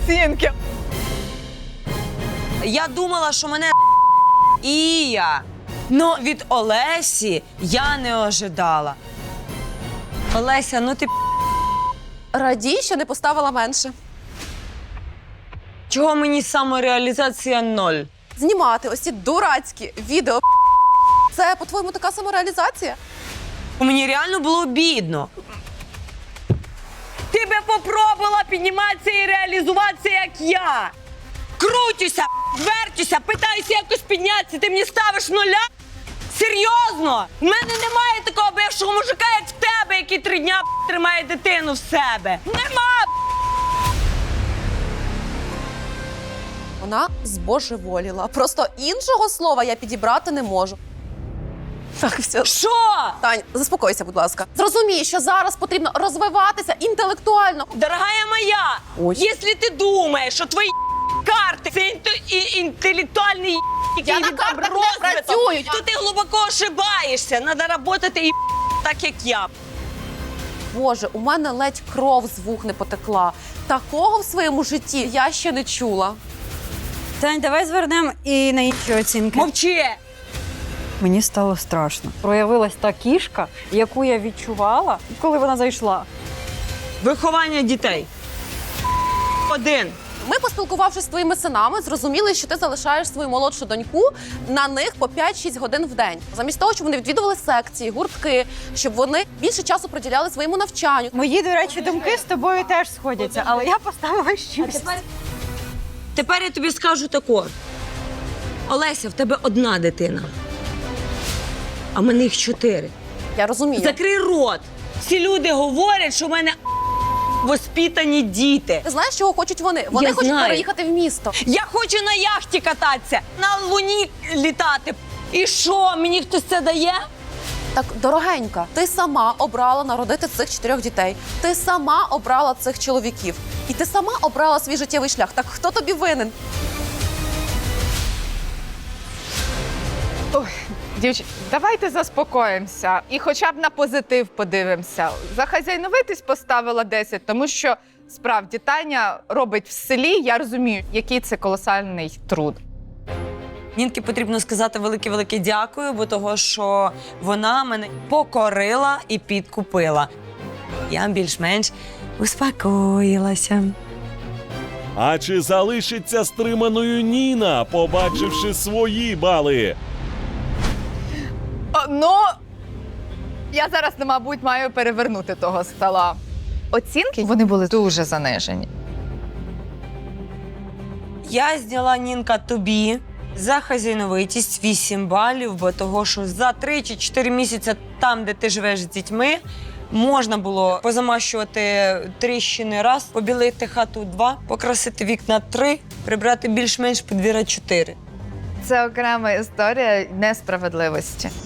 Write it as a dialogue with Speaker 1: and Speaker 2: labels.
Speaker 1: оцінки.
Speaker 2: Я думала, що мене Ія. Но від Олесі я не ожидала. Олеся, ну ти
Speaker 3: Радій, що не поставила менше.
Speaker 2: чого мені самореалізація 0?
Speaker 3: Знімати ось ці дурацькі відео. Це, по-твоєму, така самореалізація?
Speaker 2: Мені реально було обідно. Ти би попробувала підніматися і реалізуватися, як я. Крутюся, вертюся, питаюся якось піднятися, ти мені ставиш 0? Серйозно? В мене немає такого бившого мужика, як в тебе, який 3 дня тримає дитину в себе. Нема!
Speaker 3: Вона збожеволіла. Просто іншого слова я підібрати не можу. Так, все.
Speaker 2: Що?
Speaker 3: Тань, заспокойся, будь ласка. Зрозумій, що зараз потрібно розвиватися інтелектуально.
Speaker 2: Дорогая моя,
Speaker 3: Ой.
Speaker 2: якщо ти думаєш, що твої карти це інтелектуальний який
Speaker 3: Я на
Speaker 2: там
Speaker 3: картах не
Speaker 2: розвиток,
Speaker 3: працюю.
Speaker 2: то ти глибоко ошибаєшся. Треба працювати так, як я.
Speaker 3: Боже, у мене ледь кров з вух не потекла. Такого в своєму житті я ще не чула.
Speaker 4: Тань, давай звернемо і на інші оцінки.
Speaker 2: Мовчи!
Speaker 4: Мені стало страшно. Проявилась та кішка, яку я відчувала, коли вона зайшла.
Speaker 2: Виховання дітей. 1.
Speaker 3: Ми, поспілкувавшись з твоїми синами, зрозуміли, що ти залишаєш свою молодшу доньку на них по 5-6 годин в день. Замість того, щоб вони відвідували секції, гуртки, щоб вони більше часу приділяли своєму навчанню.
Speaker 4: Мої, до речі, думки з тобою теж сходяться, але я поставила 6.
Speaker 2: Тепер я тобі скажу тако. Олеся, в тебе 1 дитина. А в мене їх 4.
Speaker 3: Я розумію.
Speaker 2: Закрий рот. Всі люди говорять, що в мене воспитані діти.
Speaker 3: Ти знаєш, чого хочуть вони? Вони
Speaker 2: Я
Speaker 3: хочуть
Speaker 2: знаю.
Speaker 3: переїхати в місто.
Speaker 2: Я хочу на яхті кататися, на Луні літати. І що, мені хтось це дає?
Speaker 3: Так, дорогенька, ти сама обрала народити цих 4 дітей. Ти сама обрала цих чоловіків. І ти сама обрала свій життєвий шлях. Так хто тобі винен?
Speaker 1: Ой, дівчата, давайте заспокоїмося і хоча б на позитив подивимося. За хазяйновитість поставила 10, тому що справді Таня робить в селі, я розумію, який це колосальний труд.
Speaker 2: Нінки потрібно сказати велике-велике дякую, бо того, що вона мене покорила і підкупила. Я більш-менш успокоїлася.
Speaker 5: А чи залишиться стриманою Ніна, побачивши свої бали?
Speaker 1: Ну, я зараз, мабуть, маю перевернути того стола. Оцінки, вони були дуже занижені.
Speaker 2: Я зняла, Нінка, тобі за хазяйновитість 8 балів, бо того, що за 3 чи 4 місяці там, де ти живеш з дітьми, можна було позамащувати тріщини раз, побілити хату 2, покрасити вікна 3, прибрати більш-менш подвір'я 4.
Speaker 1: Це окрема історія несправедливості.